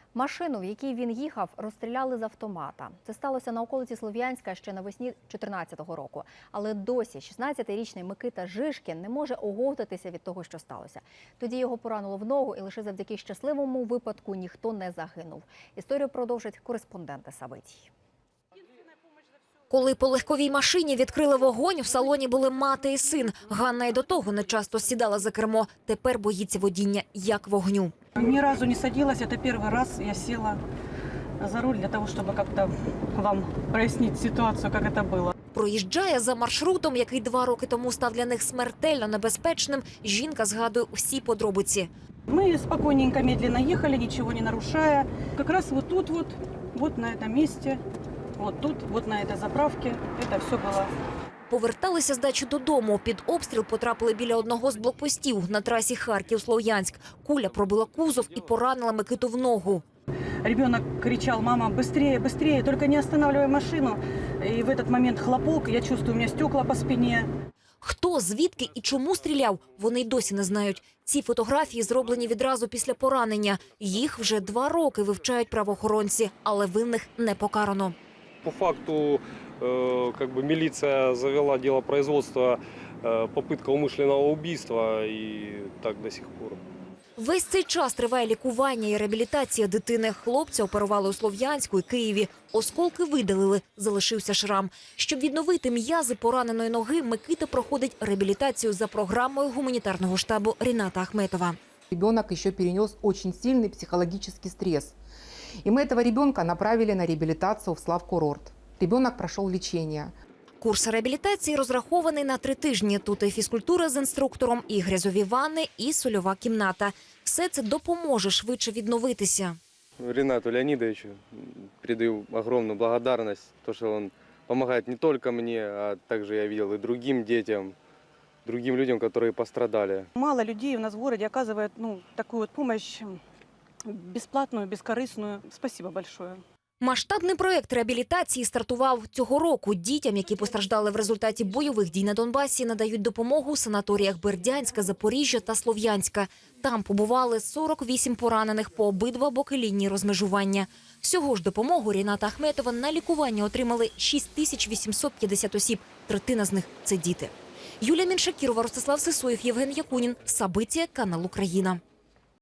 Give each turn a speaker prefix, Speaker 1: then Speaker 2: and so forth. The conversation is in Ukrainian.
Speaker 1: Машину, в якій він їхав, розстріляли з автомата. Це сталося на околиці Слов'янська ще навесні 2014 року. Але досі 16-річний Микита Жишкін не може оговтатися від того, що сталося. Тоді його поранило в ногу, і лише завдяки щасливому випадку ніхто не загинув. Історію продовжать кореспонденти Сабитій.
Speaker 2: Коли по легковій машині відкрили вогонь, в салоні були мати і син. Ганна й до того не часто сідала за кермо. Тепер боїться водіння як вогню.
Speaker 3: Ни разу не садилась, это первый раз я села за руль для того, чтобы как-то вам прояснить ситуацию, как это было.
Speaker 2: Проїжджає за маршрутом, який 2 роки тому став для них смертельно небезпечним. Жінка згадує всі подробиці.
Speaker 3: Мы спокойненько, медленно ехали, ничего не нарушая. Как раз вот тут вот на этом месте, вот тут, вот на этой заправке, это все было.
Speaker 2: Поверталися з дачі додому. Під обстріл потрапили біля одного з блокпостів на трасі Харків-Слов'янськ. Куля пробила кузов і поранила Микиту в ногу.
Speaker 3: Ребенок кричал: мама, быстрее, быстрее, только не останавливай машину. И в этот момент хлопок, я чувствую, у меня стекла по спине.
Speaker 2: Хто, звідки і чому стріляв, вони й досі не знають. Ці фотографії зроблені відразу після поранення. Їх вже 2 роки вивчають правоохоронці, але винних не покарано.
Speaker 4: По факту милиция завела дело производства, попытка умышленного убийства, и так до сих пор.
Speaker 2: Весь цей час триває лікування і реабілітація дитини. Хлопця оперували у Слов'янську і Києві. Осколки видалили, залишився шрам. Щоб відновити м'язи пораненої ноги, Микита проходить реабілітацію за програмою гуманітарного штабу Ріната Ахметова.
Speaker 5: Ребенок еще перенес очень сильный психологический стресс. И мы этого ребенка направили на реабилитацию в Славкурорт. Ребенок прошел лечение.
Speaker 2: Курс реабілітації розрахований на 3 тижні. Тут і фізкультура з інструктором, і грязові ванни, і сольова кімната. Все це допоможе швидше відновитися.
Speaker 6: Ринату Леонидовичу передаю огромную благодарность, то, что он помогает не только мне, а также я видел и другим детям, другим людям, которые пострадали.
Speaker 3: Мало людей у нас в городе оказывает такую вот помощь бесплатную, бескорыстную. Спасибо большое.
Speaker 2: Масштабний проєкт реабілітації стартував цього року. Дітям, які постраждали в результаті бойових дій на Донбасі, надають допомогу у санаторіях Бердянська, Запоріжжя та Слов'янська. Там побували 48 поранених по обидва боки лінії розмежування. Всього ж допомогу Ріната Ахметова на лікування отримали 6850 осіб. Третина з них – це діти. Юлія Міншакірова, Ростислав Сисоєв, Євген Якунін. Сабитія, канал Україна.